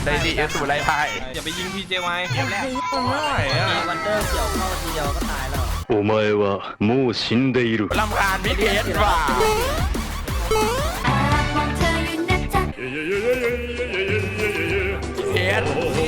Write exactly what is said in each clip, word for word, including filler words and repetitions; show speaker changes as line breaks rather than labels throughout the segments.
ได้ดีเอสูไรไพ่
อย่าไปยิงพีเจไว้
เกมแรกไม่ไหวอ่ะวันเดอร์เกี่ยวเข้าทีเดียวก็ตายแล้ว
お前はもう死んでいる
ลำคาญพี่เทสว่ะเทส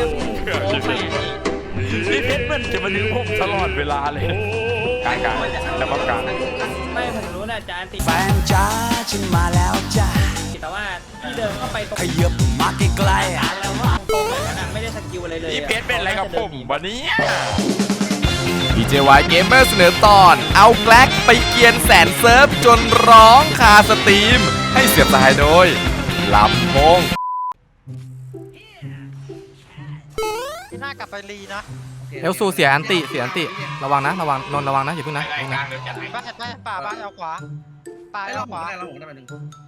พี่เพชรมันจะมาดึงผมตลอดเวลาเลยการการแต่ว่าการ
ไม่ผมรู้นะจานติด
แฟนจ้าฉันมาแล้วจ้า
แต่ว่าที่เดินเข้าไปตรง
ขยับมาใกล้ๆอ่ะ
แล้วว่าตรงแบบนั้นไม่ได้สกิลอะไรเลย
พี่เพชรเป็นอะไรกับผมวันนี้
พี เจ วาย Gamer เสนอตอนเอาแกล็กไปเกียนแสนเซิร์ฟจนร้องคาสตรีมให้เสียบสายโดยลำโพง
ที่หน้ากลับไปรีนะ
เอลซูเสียอันติเสียอันติระวังนะระวังนนระวังนะอย่าเพิ่งนะ
บ้านเห็นไหมป่าบ้านเอาขวาป่าเอาขวา
เราผมได้มาหนึ่ง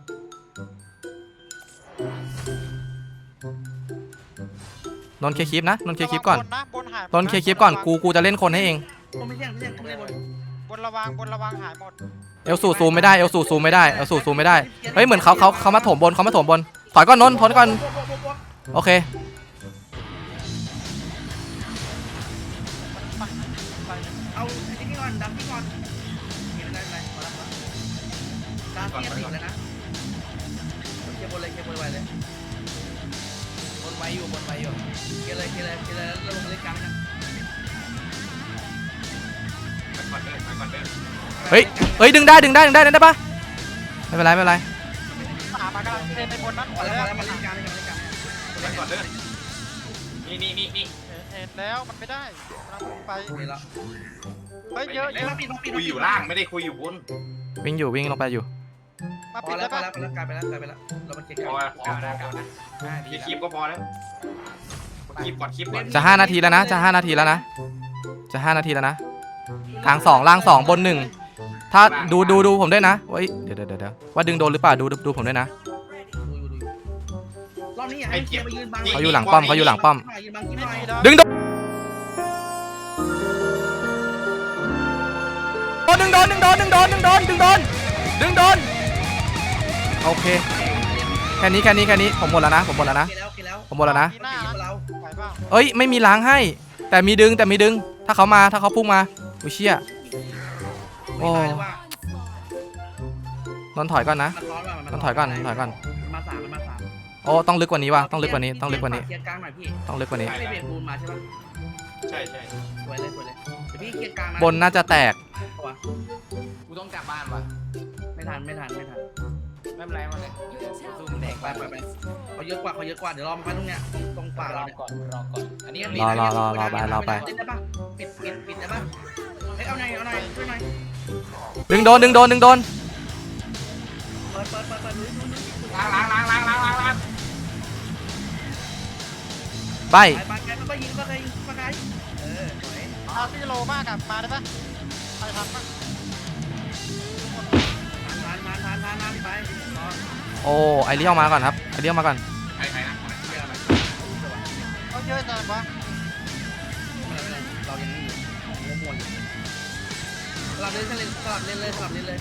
นนเคคลิปนะนนเคคลิปก่อนนนเคคลิป
บ
ก่อนกูกูจะเล่นคนให้เอง
ไม่ใช่ไม่ใช่ไม่ใช่บน
บนระวังบนระวังหายหมด
เอลซูซูมไม่ได้เอลซูซูมไม่ได้เอลซูซูมไม่ได้เฮ้ยเหมือนเขาเขาเขามาถมบนเขามาถมบนถอยก่อนนนถอยก่อนโอเค
เอาไอ้นี่ก่อนดับนี่ก่อนเห็นอะไรอะไรมาแล้วดาร์ตี้ติดเลยนะเคบนเลยเคบนไวเลยบนไวอยู่บนไวอยู่เคเลยเคเลยเคเลยแล้วลงเล่นกลางนะ
เฮ้ยเฮ้ยดึงได้ดึงได้ดึงได้ได้ปะไม่เป็นไรไม่เป็นไร
ป่ามากำลังเทไปบนนั้นหมดแล้ว
มาเล่นกลางมาเล่นกลางเล่นก่อนเด้อนี่นี่นี่นี่
เห็นแล้วมันไม่ได้กำลังไป
แล้ว
เฮ้ยเยอะเยอะ
คุยอยู่ล่างไม่ได้คุยอยู่บน
วิ่งอยู่วิ่งลงไปอยู่
มาปิดแล้ว
ไปแล้วไปแล้วกลายไปแล้วกลายไปแล้วเรามันเก่งพอพอ
แล้วคลิปก็พอแล้วคลิปก่อนคลิปก่อน
จะห้านาทีแล้วนะจะห้านาทีแล้วนะจะห้านาทีแล้วนะทางสองล่างสองบนหนึ่งถ้าดูดูดูผมด้วยนะเฮ้ยเดี๋ยวเดี๋ยวเดี๋ยวว่าดึงโดนหรือเปล่าดูดูผมด้วยนะ
รอบนี้ให้เกียร์มายืนบัง
เขาอยู่หลังป้อมเขาอยู่หลังป้อมดึงโดนดึงโดนดึงโดนดึงโดนดึงโดนดึงโดนดึงโดนโอเคแค่นี้แค่นี้แค่นี้ผมหมดแล้วนะผมหมดแล้วนะผมหมดแล้วนะเอ้ยไม่มีล้างให้แต่มีดึงแต่มีดึงถ้าเขามาถ้าเขาพุ่งมาอุ้ยเชี่ยโอ้นนถอยก่อนนะนนถอยก่อนถอยก่อน
มาสามมาสาม
โอ้ต้องลึกกว่านี้ว่ะต้องลึกกว่านี้ต้องลึกกว่านี้
เกียร์กลางหน่อยพี่
ต้องลึกกว่านี้
ไม่เบรกบูนมาใช่ปะ
ใช่ใช่
สวยเลยสวยเลยเดี๋ยวพี่เกียร์กลาง
บนน่าจะแตก
กูต้องกลับบ้านว่ะ
ไม่ทันไม่ทันไม่ทัน
ไม่เป็นไรมาเลยซูมแดก
ไปไปไปเขาเยอะกว่าเขาเยอะกว่าเดี๋ยวรอมาตรงเนี้ยตรงป่าเราเนี่ย
ก่อนรอก่อนอันนี้
รอรอรอรอไปรอไป
ปิดได้ปะปิดปิดปิดได้ปะเฮ้ยเอาหน่อยเอาหน่อยช่วยหน่อย
ดึงโดนดึงโดนดึงโดน
เปิดเปิดเปิดเปิด
ล้างล้างล้างล้างล้างล้างล้าง
ใบ
ไปไปไปยิงก็เลยยิงก็ได้เออสวย
เอาที่โลมากกับมาได้ปะใครทำปะ
ทานทานทานทานทานไป
โอ้ไอเลี้ยวมาก่อนครับไอเลี้ยวมาก่อน
ใครใครนะ
เขาเยอะจังวะ
เรายังไม่อยู่หัวมวนสลับเล่นสลับเล่นเลยสลับเล่นเลย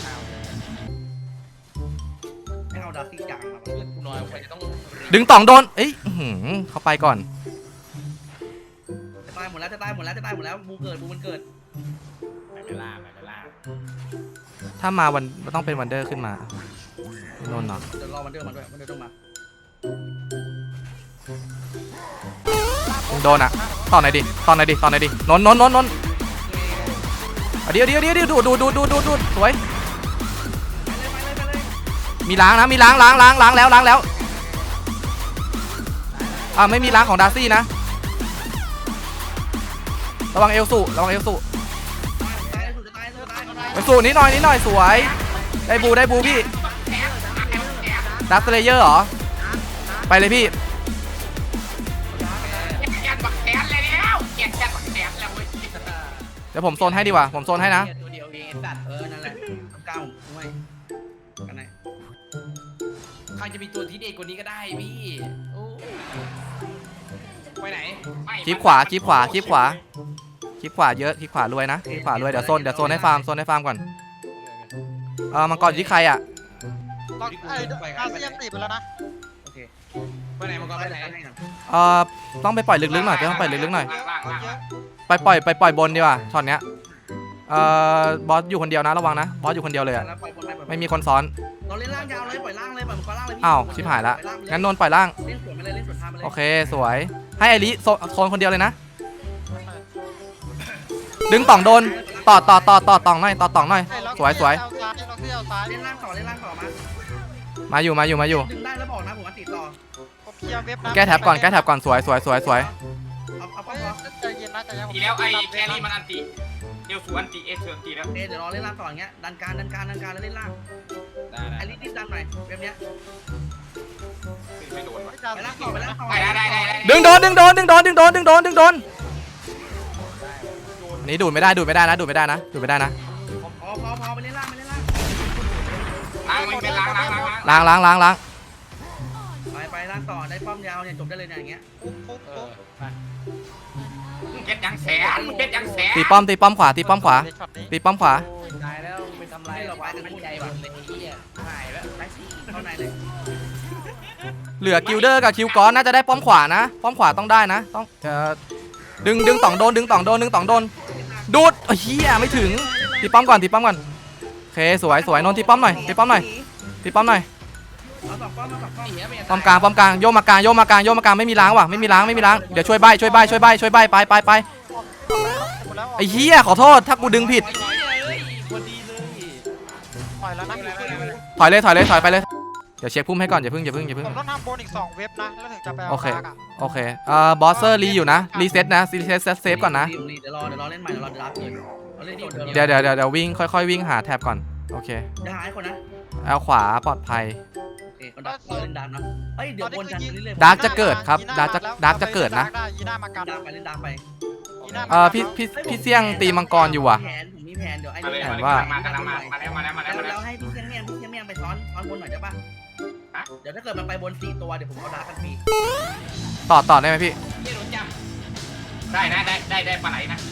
ให้เอาดาร์ซี่จังครับ
กูน้อยไปจะต้อง
ดึงต่องโดนเอ้ยเขาไปก่อน
จะตายหมดแล้วจะตายหมดแล้วจะตายหมดแล้วบูเกิดบูมันเกิด
ไม่เป็นล่าไม่เป็นล่า
ถ้ามาวันต้องเป็นวันเดอร์ขึ้นมาโดนเนาะ
เดี๋ยวรอวันเดอร์มาด้วยวันเดอร์ต้องมา
โดนอ่ะต่อไหนดิต่อไหนดิต่อไหนดินนนนนนนเดี๋ยวเดี๋ยวเดี๋ยวดูดูดูดูดูดูสวยมีล้างนะมีล้างล้างล้างล้างแล้วล้างแล้วอ่าไม่มีล้างของดาร์ซี่นะระวังเอลสูระวังเอลสูเอลสูนิดหน่อยนิดหน่อยสวยได้บูได้บูพี่ดัสเลเยอร์เหรอไปเลยพี่เดี๋ยวผมโซนให้ดีกว่าผมโซนให้นะ
ตัวเดียวเองสัตว์เออนั่นแหละเก้าด้วยกันไหน
ใครจะมีตัวที่เด็กกว่านี้ก็ได้พี่ไปไหน
คลิปขวาคลิปขวาคลิปขวาคลิปขวาเยอะคลิปขวารวยนะคลิปขวารวยเดี๋ยวโซนเดี๋ยวโซนให้ฟาร์มโซนให้ฟาร์มก่อนเออมังกรอยู่ที่ใครอ่ะ
ตอนไอ้อาเซียนตีไปแล้วนะ
โอเค
ไปไหนมังกรไปไหน
เอ่อต้องไปปล่อยลึกๆหน่อยต้องปล่อยลึกๆหน่อย
ล่างล่างล่าง
ไปปล่อยไปปล่อยบนดีกว่าช็อตเนี้ยเอ่อบอสอยู่คนเดียวนะระวังนะบอสอยู่คนเดียวเลยอะไม่มีคนซ้อน
เราเล่นล่างยาวเลยปล่อยล่างเลยปล่อยมังกรล่างเลยพี่
อ้าวชิบหายละงั้นนนท์ปล่อยล่าง
เล่นสวนไปเลยเล่นสวนทางไปเลย
โอเคสวยให้ไอริโซโซนคนเดียวเลยนะดึงต่องโดนต่อต่อต่อต่อต่องหน่อยต่อต่องหน่อยสวยสวย
เอาซ้ายล็อกที่เอาซ้าย
เล่นล่างต่อเล่นล่างต่อมา
มาอยู่มาอยู่มาอยู่
ดึงได้แล้วบอกนะผมว่าติดต่อ
ผมเคลียร์เว็บนะ
แก้แท็บก่อนแก้แท็บก่อนสวยสวยสวยสวย
เอาเอาป้อ
เฮ้
ม
ย
พอ
ใจเย็นนะใจเย็น
ทีแล้วไอ้แครี่มันอันติเดี๋ยวสูอันติเอเชิงตีแล้ว
โอเคเดี๋ยวรอเล่นล่างต่ออย่างเงี้ยดันการดันการดันการแล้วเล่นล่าง
ได้
ไอ้ลิรีบดันหน่อยแบบเนี้ย
ไม่โดนวะ
ไปล่างต่อไปล่างต่อ
ได้ได้ได้ได้
ดึงโดนดึงโดนดึงโดนดึงโดนดึงโดนดึงโดนนี่ดูดไม่ได้ดูดไม่ได้นะดูดไม่ได้นะดูดไม่ได้นะ
พอพอพอไปเล่นล่างไปเล่นล่าง
ล้างมันเป็นล้างล้างล้าง
ล้างล้างล้างล้าง
ไปไปล่างต่อได้ป้อมยาวเนี่ยจบได้เลยเนี่ยอย่างเงี้ย
ปุ๊บปุ๊บปุ๊บ
เก็ตยังแสนเก็ตยังแสน
ตีป้อมตีป้อมขวาตีป้อมขวา
ในช็อตนี้
ตีป้อมขวา
ตายแล้วไปทำไร
ให้เราไว้กันพูดใจว่ะ
เลยเฮียหายแล้ว
ไปเข้าในเลย
เหลือกิลเดอร์กับคิวกอนน่าจะได้ป้อมขวานะป้อมขวาต้องได้นะต้องเอ่อดึงดึงต่องโดนดึงต่องโดนดึงต่องโดนดูดเฮียไม่ถึงตีป้อมก่อนตีป้อมก่อนโอเคสวยสวยนนท์ตีป้อมหน่อยตีป้อมหน่อยตีป้อมหน่อย
เอาสองป้อมมาสองป้อม
ป้อมกลางป้อมกลางโยกมากลางโยกมากลางโยกมากลางไม่มีล้างว่ะไม่มีล้างไม่มีล้างเดี๋ยวช่วยใบช่วยใบช่วยใบช่วยใบไปไปไป
หมดแล้ว
ไอ้เฮียขอโทษถ้ากูดึงผิด
ปล่อยแล้วนะ
ถอยเลยถอยเลยถอยไปเลยเดี๋ยวเช็คพุ่มให้ก่อนอย่าเพิ่งอย่าเพิ่งอย่าเพิ่ง
ผมต้องทำบนอีกสองเว็บนะแล้วถึงจะไปเอา
โอเค
ดาร์กอะ
โอเคเอ่อบอสเซอร์รีอยู่นะรีเซ็ตนะรีเซ็ตเซฟก่อนนะ
เดี๋ยวรอเดี๋ยวรอเล่นใหม่เดี๋ยวรอเดี๋ยวรับเลยเราเล่นโดน
เดี๋ยวเดี๋ยวเดี๋ยวเดี๋ยววิ่งค่อยๆวิ่งหาแท็บก่อนโอเค
เดี๋ยวหายคนนะ
เอาขวาปลอดภัย
โอเคคนดักเราเล่นดักเนาะเฮ้ยเดี๋ยววนกันเรื่อย
ดาร์กจะเกิดครับดาร์กจะดาร์กจะเกิดนะ
ได้ยีน่ามากัน
ดักไปเล่นดักไป
ยีน่ามา
เอ่อพี่พี่พี่เสี่ยงตีมังกรอยู่ว่ะ
แผนผมมีแผนเดี๋ยวไอ้
มาเลย
นี่
มาเลยมากันมามาแล้วมาแล้วมาแล้วมาแล้ว
แล้วให้พี่เสี่ยงเมี่ยงพี่เสี่ยงเมี่ยงไปซ้อนซ้อนบนหน่อยได้ป่ะเดี๋ยวถ้าเกิดมันไปบนสี่ตัวเดี๋ยวผมเอาดักกันฟรี
ต่อต่อได้ไหมพี่
ยี่โดนจับได้นะได้ได้ได้ปลาไหลนะ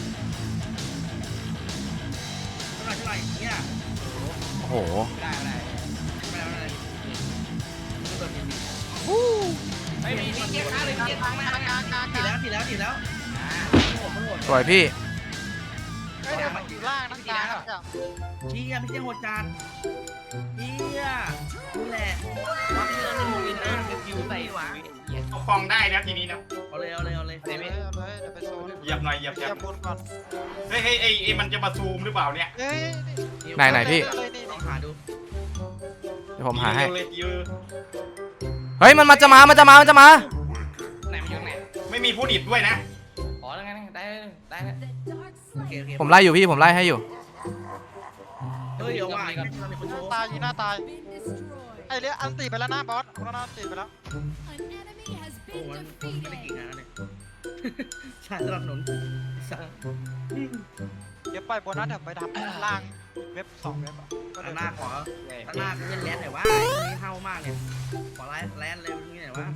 เท่าไหร่เท่าไหร่เนี่ย
โอ้โห
ได้ได้
ไม่ได้ไม่ได้ไม่เปิดผิด
ไม่มีมีเกียร์ค้าเลยเกียร์ค้าไม่
กลางกลางกลาง
ผิดแล้วผิดแล้วผิดแล้วโหดโหด
สวยพี่
เฮ้ยเดี๋ยวมันอยู่ล่างนะกลางอะ
เชี่ยพี่เสี่ยงโหดจานเชี่ยนี่แหละรับเรื่องหนึ่งวินเนอร์เป็นคิวใส่หวะ
เอาฟองได้แล้วทีนี้นะ
เอาเลยเอาเลยเอาเลย
เอาเลยเอาเลยเดี๋ยวไปโซน
เหยียบหน่อยเหยียบ
เค
เห
ลี
ยี
ย
ยบ
ร์บนก่อน
เฮ้ยเฮ้ยไอ้ไอ้มันจะมาซูมหรือเปล่าเนี่ย
เฮ้ย
ไหนไหนพี่
เลยนี่
ลองหาดู
เดี๋ยวผมหาให้
เลยยือ
เฮ้ยมันมันจะมามันจะมามันจะมา
ไหนมันอยู่ไหน
ไม่มีผู้ดิดด้วยนะ
อ๋อแล้วไงได้ได้แล้ว
โอเคโอเค
ผมไล่อยู่พี่ผมไล่ให้อยู่
เฮ้ยเดี๋ยวว่าไม่ทำเป็นคนโชว์
ตายยีน่าตายไอ้เลี้ยอันตีไปแล้วนะบอสคุณน่าอันตีไปแล้ว
โอ้มันไม่ได้กี่งานแล้วเนี่ยใช่สนับสนุนสัตว์
เดี๋ยวไปบนนั้นเดี๋ยวไปทำล่างเว็บสองเว็บอะก็
ตั้
เดี๋
ง
ยว
หน้าขอตั้งหน้าเล่นแลนหน่อยว่าไอ้นี่เฮามากเนี่ยขอไลน์แลนเลยนี่หน่อยว่า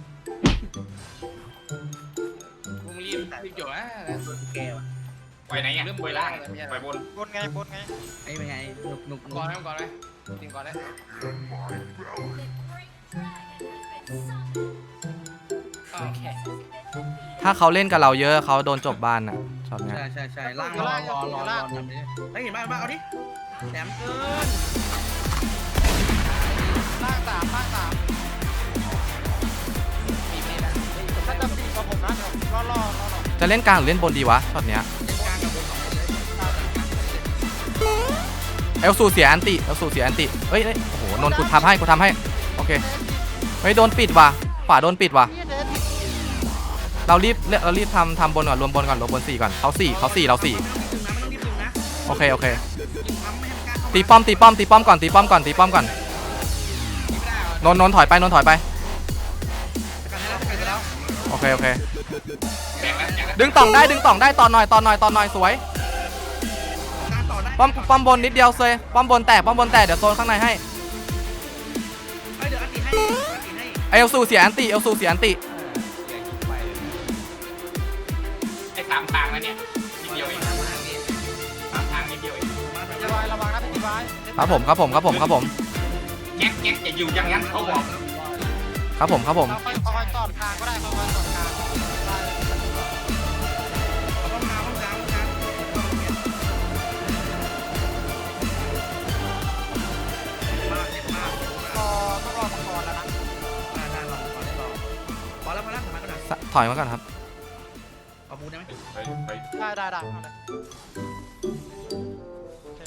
กูรีบรีบจบนะ
แกว่ะ
ปล่อยไหนอ่ะปล่อยล่างปล่อยบน
บนไงบนไง
ไอ้เป็นไงหนุกหนุก
ก่อนไหมก่อนไหมจริงก่อนเลยโอเค
ถ้าเขาเล่นกับเราเยอะเขาโดนจบบ้านอ่ะช็อตเนี้ย
ใช่ใช่ใช่ล่างรอรอรอรอทำดิเฮ้ยเห็นบ้างบ้างเอาดิแหลมเกิน
ล่างสามล่างสาม
มีไม่ได้
ถ้าจะตีกับผมนะเดี๋ยวล่อล่อล่อล่อ
จะเล่นกลางหรือเล่นบนดีวะช็อตเนี้ย
เล่นกลางกับบนสองคนเลย
เอลซูเสียอันติเอลซูเสียอันติเฮ้ยเฮ้ยโอ้โหนนท์กูทำให้กูทำให้โอเคเฮ้ยโดนปิดว่ะขวาโดนปิดว่ะ
พี่เดน
เรารีบเรารีบทำทำบนก่อนรวมบนก่อนรวมบนสี่ก่อนเขาสี่เขาสี่เราสี่
ไม่ต้องรีบดึงนะไม่ต้องรีบดึงนะ
โอเคโอเค
ยิงทำไม่ให้มันกล้าเข้า
ตีป้อมตีป้อมตีป้อมก่อนตีป้อมก่อนตีป้อมก่อนนนท์นนท์ถอยไปนนท์ถอยไป
กันแล้วกันแล้ว
โอเคโอเค
แบ่งแล้วแบ่งแล้ว
ดึงต่องได้ดึงต่องได้ตอนหน่อยตอนหน่อยตอนหน่อยสวย
การต่อได้
ป้อมป้อมบนนิดเดียวเลยป้อมบนแตกป้อมบนแตกเดี๋ยวโซนข้างในให้
เฮ้ยเดี๋ยวอันตีให้อันตีให้
เอลซูเสียอันติเอลซูเสียอันติ
ไอ้สามทางแล้วเนี่ยนิดเดียวเองสามทางนิดเดียวเอง
จะวายระวังนะเป็นดีไว้
ครับผมครับผมครับผมครับผม
แก๊กแก๊กจะอยู่อย่างนั้นเขาบอก
ครับผมครับผม
เราค่อยค่อยๆตอดกลางก็ได้ค่อยๆตอดกลางได้
เอาห้องน้ำห้องน้ำห้องน้ำเข้ามาเนี่ยมากเจ็บมาก
รอต้องรอมังกรแล้วนะ
ได้ได้ลองขอได้ลองพอแล้วพอแล้วทำไมก็ได้
สะถอยมาก่อนครับ
เอาบูได้ไหม
ไปไป
ได้ได้ได้เอาเลยโอเค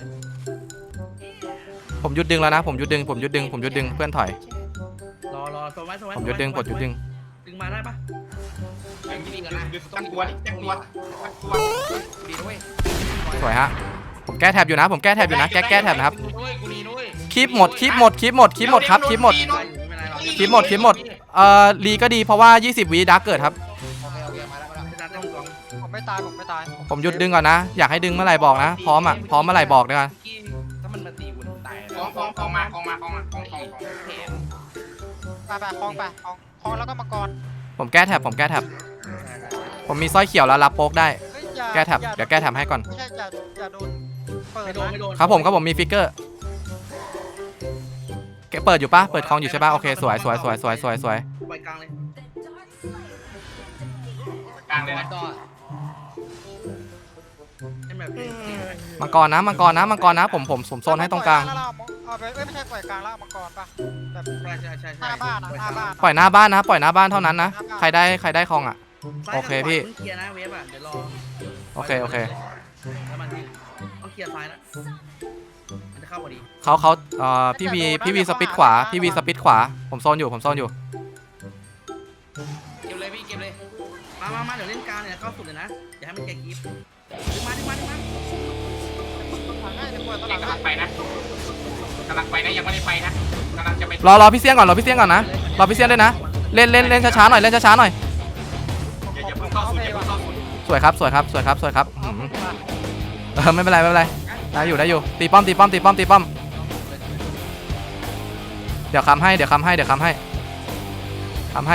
ผมหยุดดึงแล้วนะผมหยุดดึงผมหยุดดึงผมหยุดดึงเพื่อนถอย
รอรอโซนไว้โซนไว้
ผมหยุดดึงผมหยุดดึง
ดึงมาได้ปะ
ไปนี่กันนะตั้งตัวดิตั้งตัวตั้งตัวดีด้วย
สวยฮะผมแก้แท็บอยู่นะผมแก้แท็บอยู่นะแก้แก้แท็บนะครับ
กูด้วยกูดีด้วย
คลิปหมดคลิปหมดคลิปหมดคลิปหมดครับคลิปหมด
ไม่เป็นไรหรอก
คลิปหมดคลิปหมดเอ่อรีก็ดีเพราะว่ายี่สิบวิดาร์กเกิดครับ
โอเคโอเคมาแล้วมาแล้ว
ไม่ได้ต้องกอง
ผมไม่ตายผมไม่ตาย
ผมหยุดดึงก่อนนะอยากให้ดึงเมื่อไหร่บอกนะพร้อมอ่ะพร้อมเมื่อไหร่บอกด้วยกัน
ถ้ามันมาตีกูตาย
คลองคลองคลองมาคลองมาคลองมาคลองคลองคลอง
ไปไปคลองไปคลองคลองแล้วก็มังกร
ผมแก้แท็บผมแก้แท็บผมมีสร้อยเขียวแล้วรับโป๊กได้
เฮ้ยอย่า
แก้แท็บ
อย่า
เดี๋ยวแก้แท็บให้ก่อน
ไม่ใช่อย่าอย่าโดนเปิด
ไม่โดน
นะ
ไม่โดน
ครับผมครับผมมีฟิกเกอร์แกเปิดอยู่ปะเปิดคลองอยู่ใช่ปะโอเคสวยสวยสวยสวยสวยสวย
ปล่อยกลางเลย
กลางเลยนะ
ให้แบบ
มังกรนะมังกรนะมังกรนะผมผมผมโซนให้ตรงกลาง
แล้วเเอาไปเอ้ยไม่ใช่ปล่อยกลางแล้วเอามังกรป่ะแบบ
ใช่ใช่ใช่
หน้าบ้านอะหน้าบ้าน
ปล่อยหน้าบ้านนะปล่อยหน้าบ้านเท่านั้นนะใครได้ใครได้คลองอ่ะ โอเคพี่
เคลียร์นะเวฟอ่ะเดี๋ยวรอ
โอเคโอเค
แล้วมันต้องเคลียร์ซ้ายนะมันจะเข้าพอดี
เขาเขาเอ่อพี่วีพี่วีสปิดขวาพี่วีสปิดขวาผมโซนอยู่ผมโซนอยู่
เก็บเลยพี่เก็บเลย
มามามาเดี๋ยวเล่นกลางเนี่ยเข้าสุดเลยนะอย่าให้มันแกกีฟดึงมาดึงมาดึงมา
หลังให้เดี๋ยวปล่อยตอนห
เด็
ลั
ก
ง
กำลังไปนะกำลังไปนะยังไม่ได้ไปนะกำลังจะไป
รอรอพี่เสี้ยงก่อนรอพี่เสี้ยงก่อนนะรอพี่เสี้ยงด้วยนะเล่นเล่นเล่นช้าๆหน่อยเล่นช้าๆหน่อย
อย่าอย่าเพิ่งเข้าสุดอย่าเพิ่งเข้าสุด
สวยครับสวยครับสวยครับสวยครับอื้อหือเออไม่เป็นไรไม่เป็นไรได้อยู่ได้อยู่ตีป้อมตีป้อมตีป้อมตีป้อมเดี๋ยวคำให้เดี๋ยวคำให้เดี๋ยวคำให้คำให้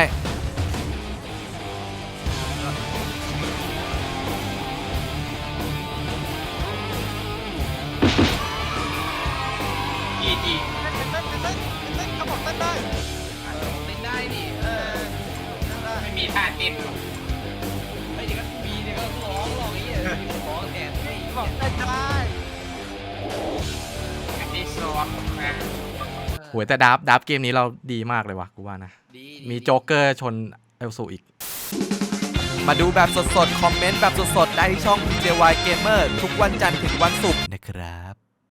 จีจี
เต้นเต้นเต้นเต้นเต้นเขาบอกเต้นได้
เล่นได้ดิ
เออเต้นได้
ไม่มีท่าเต้น
ไอ้เด็กก็มีเด็กก็ร้องร้องไอ้เหี้ยร้องแอบไอ้
บอกเต้นได้
อันที่สองนะ
โหยแต่ดับดับเกมนี้เราดีมากเลยว่ะกูว่านะมีโจ๊กเกอร์ชนเอลสูอีก มาดูแบบสดๆ คอมเมนต์แบบสดๆ ได้ที่ช่อง พี เจ วาย Gamer ทุกวันจันทร์ถึงวันศุกร์นะครับ